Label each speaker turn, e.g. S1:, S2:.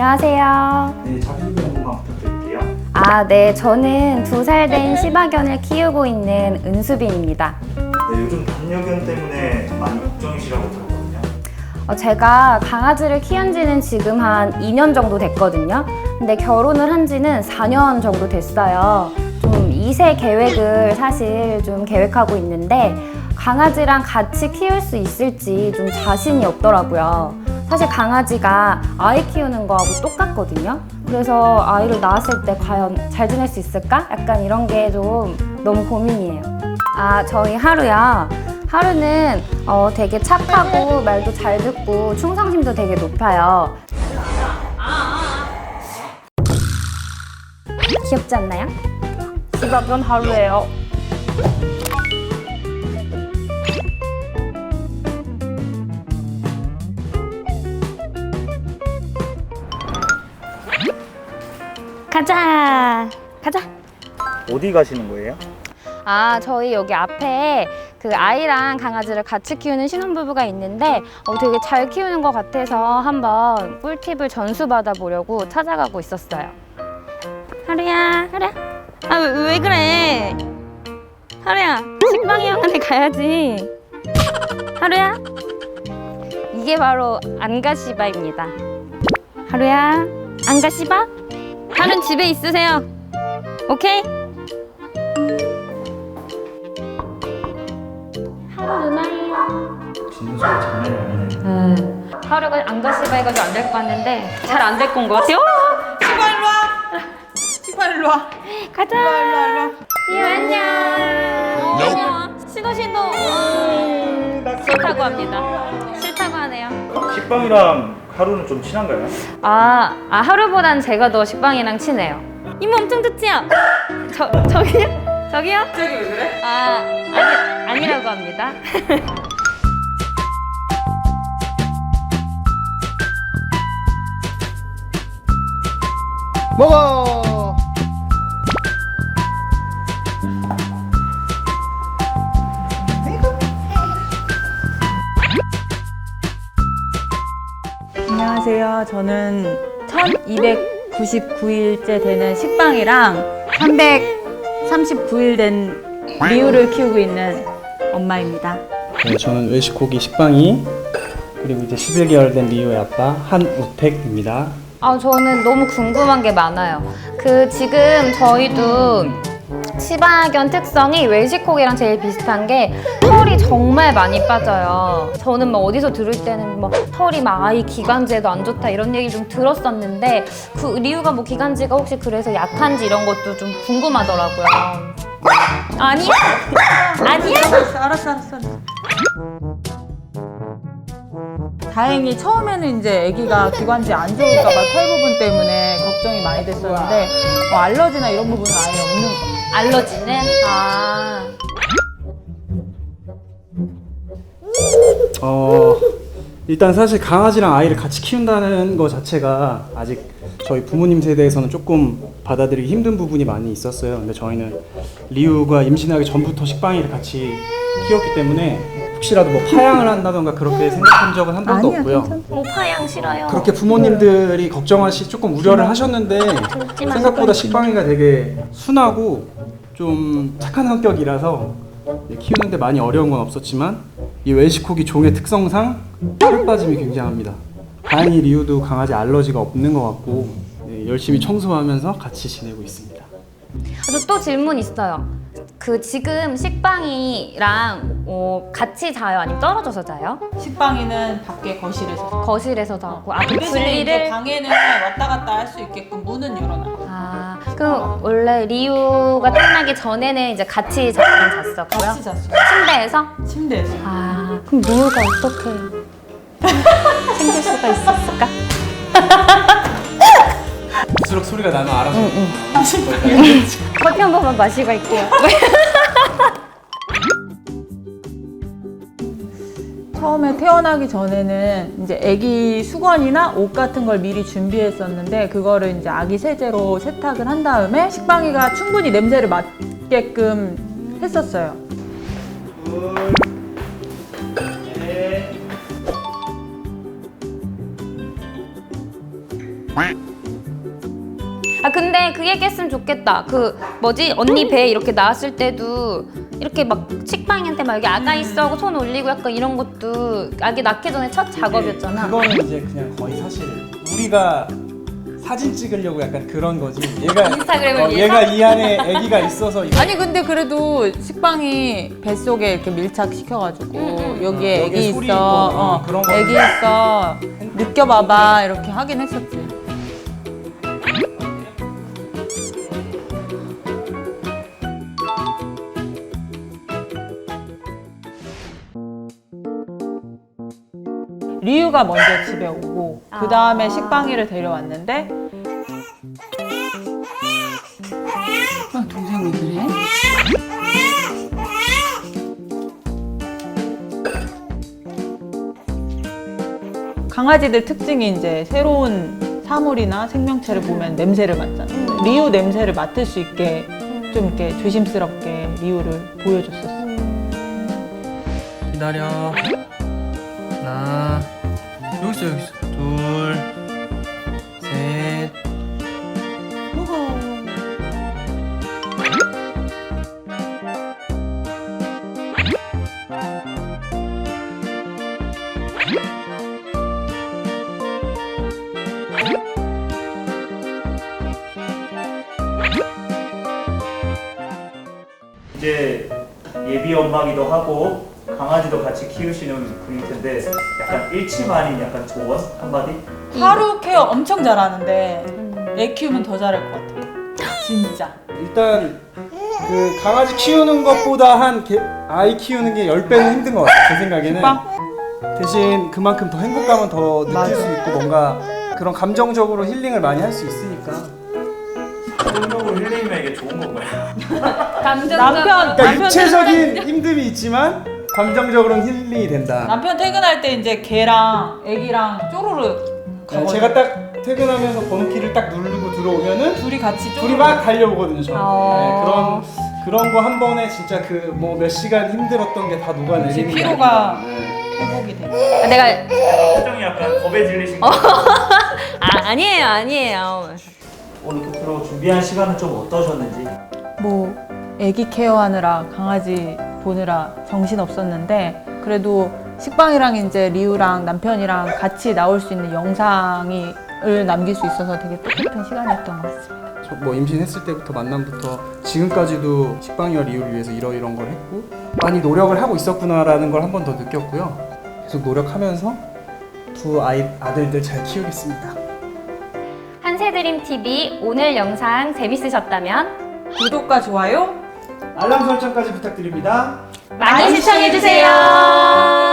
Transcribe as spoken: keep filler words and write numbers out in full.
S1: 안녕하세요.
S2: 네, 자기소개 한 번만 부탁드릴게요.
S1: 아, 네. 저는 두 살 된 시바견을 키우고 있는 은수빈입니다.
S2: 네, 요즘 반려견 때문에 많이 걱정이시라고 들었거든요.
S1: 어, 제가 강아지를 키운 지는 지금 한 이 년 정도 됐거든요. 근데 결혼을 한 지는 사 년 정도 됐어요. 좀 이 세 계획을 사실 좀 계획하고 있는데 강아지랑 같이 키울 수 있을지 좀 자신이 없더라고요. 사실 강아지가 아이 키우는 거하고 똑같거든요. 그래서 아이를 낳았을 때 과연 잘 지낼 수 있을까? 약간 이런 게 좀 너무 고민이에요. 아, 저희 하루요. 하루는 어, 되게 착하고 말도 잘 듣고 충성심도 되게 높아요. 귀엽지 않나요? 시바견 하루예요. 가자, 가자.
S2: 어디 가시는 거예요?
S1: 아, 저희 여기 앞에 그 아이랑 강아지를 같이 키우는 신혼부부가 있는데 어, 되게 잘 키우는 것 같아서 한번 꿀팁을 전수받아 보려고 찾아가고 있었어요. 하루야, 하루야. 아, 왜, 왜 그래? 하루야, 식빵이 형한테 가야지. 하루야. 이게 바로 안가시바입니다. 하루야, 안가시바? 하루는 집에 있으세요. 오케이? 하루 누나예요.
S2: 짖는 소리 장난이 아니네.
S1: 음. 하루가 안가시바 해가지고 안 될 것 같는데 잘 안 될 건 것 같아요.
S3: 시바 일로 와. 시바 일로 와.
S1: 가자.
S3: 일로 와 일로 와 일로 와.
S1: 이 안녕. 안녕. 신호 신호. 싫다고 합니다. 싫다고 하네요.
S2: 식빵이랑 하루는 좀 친한가요?
S1: 아, 아 하루보단 제가 더 식빵이랑 친해요. 이모 엄청 좋지요? 저 저기요? 저기요?
S3: 갑자기 왜 그래?
S1: 아 아니 아니라고 합니다.
S4: 먹어!
S3: 안녕하세요. 저는 천이백구십구 일째 되는 식빵이랑 삼백삼십구 일 된 리우를 키우고 있는 엄마입니다.
S4: 네, 저는 외식고기 식빵이 그리고 이제 십일 개월 된 리오의 아빠 한우택입니다.
S1: 아, 저는 너무 궁금한 게 많아요. 그 지금 저희도 시바견 특성이 웰시코기랑 제일 비슷한 게 털이 정말 많이 빠져요. 저는 막 어디서 들을 때는 막 털이 막 아이 기관지에도 안 좋다 이런 얘기 좀 들었었는데 그 리우가 뭐 기관지가 혹시 그래서 약한지 이런 것도 좀 궁금하더라고요. 아니야? 아니야?
S3: 알았어, 알았어, 알았어. 다행히 처음에는 이제 아기가 기관지 안 좋을까봐 털 부분 때문에 걱정이 많이 됐었는데 뭐 알러지나 이런 부분은 아예 없는 거.
S1: 알러지는? 아.
S4: 어, 일단 사실 강아지랑 아이를 같이 키운다는 거 자체가 아직 저희 부모님 세대에서는 조금 받아들이기 힘든 부분이 많이 있었어요. 근데 저희는 리우가 임신하기 전부터 식빵이를 같이 키웠기 때문에 혹시라도 뭐 파양을 한다던가 그렇게 생각한 적은 한 번도
S3: 아니야,
S4: 없고요.
S3: 괜찮아.
S1: 오파양 싫어요.
S4: 그렇게 부모님들이 걱정하시 조금 우려를 하셨는데 생각보다 식빵이가 되게 순하고 좀 착한 성격이라서 키우는데 많이 어려운 건 없었지만 이 웰시코기 종의 특성상 털 빠짐이 굉장합니다. 다행히 리우도 강아지 알러지가 없는 것 같고 네, 열심히 청소하면서 같이 지내고 있습니다.
S1: 저 또 질문 있어요. 그 지금 식빵이랑 어, 같이 자요? 아니면 떨어져서 자요?
S3: 식빵이는 밖에 거실에서.
S1: 거실에서 자고 아, 그
S3: 그 대신에 이제
S1: 분리를
S3: 방에는 왔다 갔다 할 수 있게끔 문은 열어놔.
S1: 아, 그럼 원래 리우가 태어나기 전에는 이제 같이 자긴 잤었고요?
S3: 같이 잤어.
S1: 침대에서?
S3: 침대에서.
S1: 아, 그럼 리우가 어떻게 생길 수가 있었을까?
S4: 수록 소리가 나면 알아서
S1: 커피 한 번만 마시고 갈게요.
S3: 처음에 태어나기 전에는 이제 아기 수건이나 옷 같은 걸 미리 준비했었는데 그거를 이제 아기 세제로 세탁을 한 다음에 식빵이가 충분히 냄새를 맡게끔 했었어요.
S2: 둘, 넷.
S1: 근데 그 얘기했으면 좋겠다. 그 뭐지 언니 배 이렇게 나왔을 때도 이렇게 막 식빵이한테 막 여기 아가 있어 하고 손 올리고 약간 이런 것도 아기 낳기 전에 첫 작업이었잖아.
S4: 그거는 이제 그냥 거의 사실 우리가 사진 찍으려고 약간 그런 거지. 얘가
S1: 인스타그램을
S4: 어,
S1: 위해서?
S4: 얘가 이 안에 아기가 있어서 이거
S3: 아니 근데 그래도 식빵이 뱃속에 이렇게 밀착시켜가지고
S1: 음,
S3: 여기에
S4: 어,
S3: 애기
S4: 여기에 소리
S3: 있어,
S4: 있고,
S3: 어,
S4: 그런 거.
S3: 애기 있어, 느껴봐봐 이렇게 하긴 했었지. 리유가 먼저 집에 오고 그 다음에
S1: 아.
S3: 식빵이를 데려왔는데 아, 동생이 그래? 강아지들 특징이 이제 새로운 사물이나 생명체를 보면 냄새를 맡잖아. 리유 냄새를 맡을 수 있게 좀 이렇게 조심스럽게 리유를 보여줬었어.
S5: 기다려. 하나. 여기 있어, 여기 있어. 둘. 셋.
S2: 이제 예비 엄마기도 하고 강아지도 같이 키우시는 분일 텐데 약간 일침 아닌 약간 조언 한마디?
S3: 하루 케어 엄청 잘하는데 애 키우면 더 잘할 것 같아. 진짜.
S4: 일단 그 강아지 키우는 것보다 한 개, 아이 키우는 게 열 배는 힘든 것 같아. 제 생각에는.
S3: 식빵?
S4: 대신 그만큼 더 행복감은 더 느낄
S3: 맞아.
S4: 수 있고 뭔가 그런 감정적으로 힐링을 많이 할 수 있으니까.
S2: 감정적으로 힐링이면 이게 좋은 건가요?
S1: 감정적.
S3: 남편
S4: 그러니까
S3: 남편
S4: 육체적인 힘듦이 있지만 감정적으로는 힐링이 된다.
S3: 남편 퇴근할 때 이제 걔랑 애기랑 쪼르르
S4: 네,
S3: 가거든.
S4: 제가 딱 퇴근하면서 번호키를 딱 누르고 들어오면은
S3: 둘이 같이 쪼르르.
S4: 둘이 막 달려오거든요. 저는.
S1: 어.
S4: 네, 그런 그런 거 한 번에 진짜 그 뭐 몇 시간 힘들었던 게 다 녹아내리는
S3: 그치,
S4: 게
S3: 피로가
S4: 아닌가. 네.
S3: 회복이 돼.
S1: 아, 내가
S2: 표정이 약간 겁에 질리신 거
S1: 아 아니에요 아니에요.
S2: 오늘 끝으로 준비한 시간은 좀 어떠셨는지?
S3: 뭐 애기 케어하느라 강아지 보느라 정신 없었는데 그래도 식빵이랑 이제 리우랑 남편이랑 같이 나올 수 있는 영상이 을 남길 수 있어서 되게 뜻깊은 시간이었던 것 같습니다.
S4: 저 뭐 임신했을 때부터 만남부터 지금까지도 식빵이와 리우를 위해서 이러이런 걸 했고 많이 노력을 하고 있었구나라는 걸 한 번 더 느꼈고요. 계속 노력하면서 두 아이 아들들 잘 키우겠습니다.
S1: 한세드림 티비 오늘 영상 재밌으셨다면
S3: 구독과 좋아요
S4: 알람 설정까지 부탁드립니다.
S1: 많이 시청해주세요.